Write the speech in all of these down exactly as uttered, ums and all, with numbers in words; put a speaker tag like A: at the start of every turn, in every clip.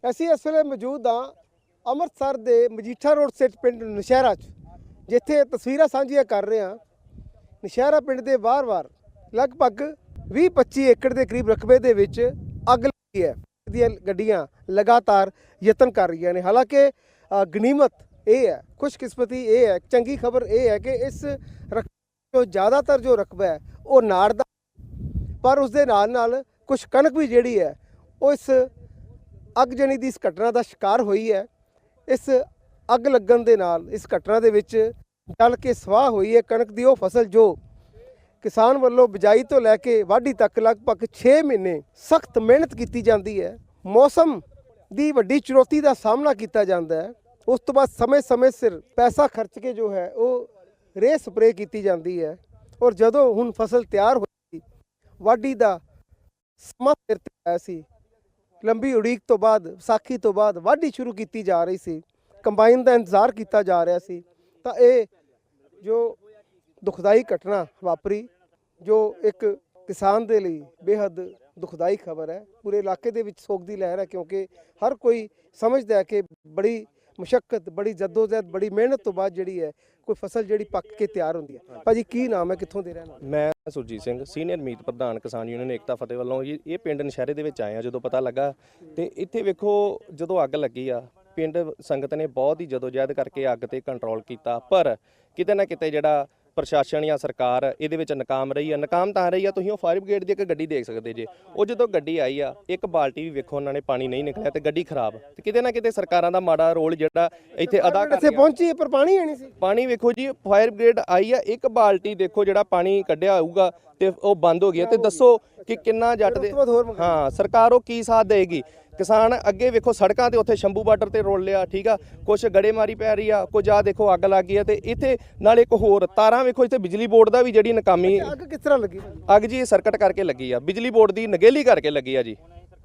A: ਅਸੀਂ ਇਸ ਵੇਲੇ ਮੌਜੂਦ ਹਾਂ ਅੰਮ੍ਰਿਤਸਰ ਦੇ ਮਜੀਠਾ ਰੋਡ ਸਥਿਤ ਪਿੰਡ ਨੌਸ਼ਹਿਰਾ 'ਚ, ਜਿੱਥੇ ਤਸਵੀਰਾਂ ਸਾਂਝੀਆਂ ਕਰ ਰਹੇ ਹਾਂ। ਨੌਸ਼ਹਿਰਾ ਪਿੰਡ ਦੇ ਬਾਹਰ-ਬਾਹਰ ਲਗਭਗ ਵੀਹ ਪੱਚੀ ਏਕੜ ਦੇ ਕਰੀਬ ਰਕਬੇ ਦੇ ਵਿੱਚ ਅੱਗ ਲੱਗੀ ਹੈ। ਦੀਆਂ ਗੱਡੀਆਂ ਲਗਾਤਾਰ ਯਤਨ ਕਰ ਰਹੀਆਂ ਨੇ। ਹਾਲਾਂਕਿ ਗਨੀਮਤ ਇਹ ਹੈ, ਖੁਸ਼ਕਿਸਮਤੀ ਇਹ ਹੈ, ਚੰਗੀ ਖਬਰ ਇਹ ਹੈ ਕਿ ਇਸ ਰਕਬੇ ਜੋ ਜ਼ਿਆਦਾਤਰ ਜੋ ਰਕਬਾ ਹੈ ਉਹ ਨਾੜ ਦਾ, ਪਰ ਉਸ ਦੇ ਨਾਲ ਨਾਲ ਕੁਝ ਕਣਕ ਵੀ ਜਿਹੜੀ ਹੈ ਉਹ ਇਸ ਅੱਗਜਣੀ ਦੀ ਇਸ ਘਟਨਾ ਦਾ ਸ਼ਿਕਾਰ ਹੋਈ ਹੈ। ਇਸ ਅੱਗ ਲੱਗਣ ਦੇ ਨਾਲ ਇਸ ਘਟਨਾ ਦੇ ਵਿੱਚ ਜਲ ਕੇ ਸਵਾਹ ਹੋਈ ਹੈ ਕਣਕ ਦੀ ਉਹ ਫਸਲ ਜੋ ਕਿਸਾਨ ਵੱਲੋਂ ਬਿਜਾਈ ਤੋਂ ਲੈ ਕੇ ਵਾਢੀ ਤੱਕ ਲਗਭਗ ਛੇ ਮਹੀਨੇ ਸਖਤ ਮਿਹਨਤ ਕੀਤੀ ਜਾਂਦੀ ਹੈ। ਮੌਸਮ ਦੀ ਵੱਡੀ ਚੁਣੌਤੀ ਦਾ ਸਾਹਮਣਾ ਕੀਤਾ ਜਾਂਦਾ ਹੈ। ਉਸ ਤੋਂ ਬਾਅਦ ਸਮੇਂ-ਸਮੇਂ ਸਿਰ ਪੈਸਾ ਖਰਚ ਕੇ ਜੋ ਹੈ ਉਹ ਰੇਹ ਸਪਰੇਅ ਕੀਤੀ ਜਾਂਦੀ ਹੈ, ਔਰ ਜਦੋਂ ਹੁਣ ਫਸਲ ਤਿਆਰ ਹੋਈ, ਵਾਢੀ ਦਾ ਸਮਾਂ ਸਿਰ ਤੇ ਆਇਆ ਸੀ, ਲੰਬੀ ਉਡੀਕ ਤੋਂ ਬਾਅਦ ਵਿਸਾਖੀ ਤੋਂ ਬਾਅਦ ਵਾਢੀ ਸ਼ੁਰੂ ਕੀਤੀ ਜਾ ਰਹੀ ਸੀ, ਕੰਬਾਈਨ ਦਾ ਇੰਤਜ਼ਾਰ ਕੀਤਾ ਜਾ ਰਿਹਾ ਸੀ, ਤਾਂ ਇਹ ਜੋ ਦੁਖਦਾਈ ਘਟਨਾ ਵਾਪਰੀ, ਜੋ ਇੱਕ ਕਿਸਾਨ ਦੇ ਲਈ ਬੇਹੱਦ ਦੁਖਦਾਈ ਖਬਰ ਹੈ। ਪੂਰੇ ਇਲਾਕੇ ਦੇ ਵਿੱਚ ਸੋਗ ਦੀ ਲਹਿਰ ਹੈ, ਕਿਉਂਕਿ ਹਰ ਕੋਈ ਸਮਝਦਾ ਹੈ ਕਿ ਬੜੀ ਮੁਸ਼ੱਕਤ, ਬੜੀ ਜਦੋਜਹਿਦ, ਬੜੀ ਮਿਹਨਤ ਤੋਂ ਬਾਅਦ ਜਿਹੜੀ ਹੈ ਕੋਈ ਫਸਲ ਜਿਹੜੀ ਪੱਕ ਕੇ ਤਿਆਰ ਹੁੰਦੀ ਹੈ। ਭਾਜੀ ਕੀ ਨਾਮ ਹੈ, ਕਿੱਥੋਂ ਦੇ ਰਹਿਣ ਵਾਲੇ?
B: ਮੈਂ ਸੁਰਜੀਤ ਸਿੰਘ, ਸੀਨੀਅਰ ਮੀਤ ਪ੍ਰਧਾਨ ਕਿਸਾਨ ਯੂਨੀਅਨ ਏਕਤਾ ਫਤਿਹ ਵੱਲੋਂ ਜੀ ਇਹ ਪਿੰਡ ਨੌਸ਼ਹਿਰੇ ਦੇ ਵਿੱਚ ਆਏ ਆ। ਜਦੋਂ ਪਤਾ ਲੱਗਾ ਤੇ ਇੱਥੇ ਵੇਖੋ ਜਦੋਂ ਅੱਗ ਲੱਗੀ ਆ, ਪਿੰਡ ਸੰਗਤ ਨੇ ਬਹੁਤ ਹੀ ਜਦੋਜਹਿਦ ਕਰਕੇ ਅੱਗ ਤੇ ਕੰਟਰੋਲ ਕੀਤਾ, ਪਰ ਕਿਤੇ ਨਾ ਕਿਤੇ ਜਿਹੜਾ ਪ੍ਰਸ਼ਾਸਨ ਜਾਂ ਸਰਕਾਰ ਇਹਦੇ ਵਿੱਚ ਨਾਕਾਮ ਰਹੀ ਆ। ਨਾਕਾਮ ਤਾਂ ਰਹੀ ਆ, ਤੁਸੀਂ ਉਹ ਫਾਇਰ ਬ੍ਰਿਗੇਡ ਦੀ ਇੱਕ ਗੱਡੀ ਦੇਖ ਸਕਦੇ ਜੇ। ਉਹ ਜਦੋਂ ਗੱਡੀ ਆਈ ਆ, ਇੱਕ ਬਾਲਟੀ ਵੀ ਵੇਖੋ ਉਹਨਾਂ ਨੇ ਪਾਣੀ ਨਹੀਂ ਨਿਕਲਿਆ ਤੇ ਗੱਡੀ ਖਰਾਬ। ਤੇ ਕਿਤੇ ਨਾ ਕਿਤੇ ਸਰਕਾਰਾਂ ਦਾ ਮਾੜਾ ਰੋਲ ਜਿਹੜਾ ਇੱਥੇ ਅਦਾ ਕਰ
A: ਇੱਥੇ ਪਹੁੰਚੀ ਪਰ ਪਾਣੀ ਹੈ ਨਹੀਂ ਸੀ।
B: ਪਾਣੀ ਵੇਖੋ ਜੀ, ਫਾਇਰ ਬ੍ਰਿਗੇਡ ਆਈ ਆ, ਇੱਕ ਬਾਲਟੀ ਦੇਖੋ ਜਿਹੜਾ ਪਾਣੀ ਕੱਢਿਆ ਹੋਊਗਾ ਤੇ ਉਹ ਬੰਦ ਹੋ ਗਿਆ। ਤੇ ਦੱਸੋ ਕਿ ਕਿੰਨਾ ਜੱਟ ਦੇ ਹਾਂ ਸਰਕਾਰ ਉਹ ਕੀ ਸਾਥ ਦੇਗੀ। ਕਿਸਾਨ ਅੱਗੇ ਵੇਖੋ ਸੜਕਾਂ ਤੇ ਉੱਥੇ ਸ਼ੰਭੂ ਬਾਰਡਰ ਤੇ ਰੋਲ ਲਿਆ, ਠੀਕ ਆ, ਕੁਛ ਗੜੇਮਾਰੀ ਪੈ ਰਹੀ ਆ, ਕੁਝ ਆ ਦੇਖੋ ਅੱਗ ਲੱਗ ਗਈ ਆ। ਤੇ ਇੱਥੇ ਨਾਲ ਇੱਕ ਹੋਰ ਤਾਰਾਂ ਵੇਖੋ, ਇੱਥੇ ਬਿਜਲੀ ਬੋਰਡ ਦਾ ਵੀ ਜਿਹੜੀ ਨਾਕਾਮੀ।
A: ਅੱਗ ਕਿਸ ਤਰ੍ਹਾਂ ਲੱਗੀ?
B: ਅੱਗ ਜੀ ਸਰਕਟ ਕਰਕੇ ਲੱਗੀ ਆ, ਬਿਜਲੀ ਬੋਰਡ ਦੀ ਨਗੇਲੀ ਕਰਕੇ ਲੱਗੀ ਆ ਜੀ।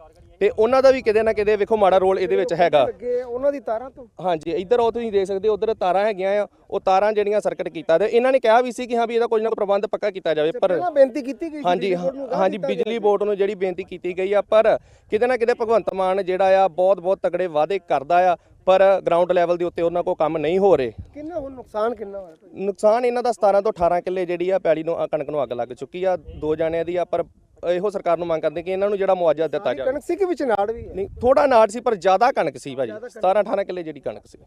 B: ਤੇ ਉਹਨਾਂ ਦਾ ਵੀ ਕਿਤੇ ਨਾ ਕਿਤੇ ਵੇਖੋ ਮਾੜਾ ਰੋਲ ਇਹਦੇ ਵਿੱਚ ਹੈਗਾ।
A: ਉਹਨਾਂ ਦੀ ਤਾਰਾਂ ਤੋਂ ਹਾਂਜੀ
B: ਇੱਧਰ ਉਹ ਤੁਸੀਂ ਦੇਖ ਸਕਦੇ ਹੋ, ਉਧਰ ਤਾਰਾਂ ਹੈਗੀਆਂ ਆ, ਉਹ ਤਾਰਾਂ ਜਿਹੜੀਆਂ ਸਰਕਟ ਕੀਤਾ ਤੇ ਇਹਨਾਂ ਨੇ ਕਿਹਾ ਵੀ ਸੀ ਕਿ ਹਾਂ ਵੀ ਇਹਦਾ ਕੋਈ ਨਾ ਕੋਈ ਪ੍ਰਬੰਧ ਪੱਕਾ ਕੀਤਾ ਜਾਵੇ, ਪਰ
A: ਬੇਨਤੀ ਕੀਤੀ ਗਈ
B: ਹਾਂਜੀ ਹਾਂਜੀ ਬਿਜਲੀ ਬੋਰਡ ਨੂੰ ਜਿਹੜੀ ਬੇਨਤੀ ਕੀਤੀ ਗਈ ਆ, ਪਰ ਕਿਤੇ ਨਾ ਕਿਤੇ ਭਗਵੰਤ ਮਾਨ ਜਿਹੜਾ ਆ ਬਹੁਤ ਬਹੁਤ ਤਗੜੇ ਵਾਅਦੇ ਕਰਦਾ ਆ, ਪਰ ਗਰਾਊਂਡ ਲੈਵਲ ਦੇ ਉੱਤੇ ਉਹਨਾਂ ਕੋਲ ਕੰਮ ਨਹੀਂ ਹੋ ਰਹੇ।
A: ਕਿੰਨਾ ਹੁਣ ਨੁਕਸਾਨ ਕਿੰਨਾ ਹੋਇਆ?
B: ਨੁਕਸਾਨ ਇਹਨਾਂ ਦਾ ਸਤਾਰਾਂ ਤੋਂ ਅਠਾਰਾਂ ਕਿੱਲੇ ਜਿਹੜੀ ਆ ਪੈਲੀ ਨੂੰ ਕਣਕ ਨੂੰ ਅੱਗ ਲੱਗ ਚੁੱਕੀ ਆ, ਦੋ ਜਾਣਿਆਂ ਦੀ ਆ। ਪਰ ਇਹੋ ਸਰਕਾਰ ਨੂੰ ਮੰਗ ਕਰਦੇ ਕਿ ਇਹਨਾਂ ਨੂੰ ਜਿਹੜਾ ਮੁਆਵਜ਼ਾ ਦਿੱਤਾ ਜਾਵੇ।
A: ਕਣਕ ਸੀ ਕਿ ਵਿੱਚ ਨਾੜ ਵੀ?
B: ਨਹੀਂ, ਥੋੜਾ ਨਾੜ ਸੀ ਪਰ ਜ਼ਿਆਦਾ ਕਣਕ ਸੀ ਭਾਜੀ, ਸਤਾਰਾਂ ਅਠਾਰਾਂ ਕਿੱਲੇ ਜਿਹੜੀ ਕਣਕ ਸੀ।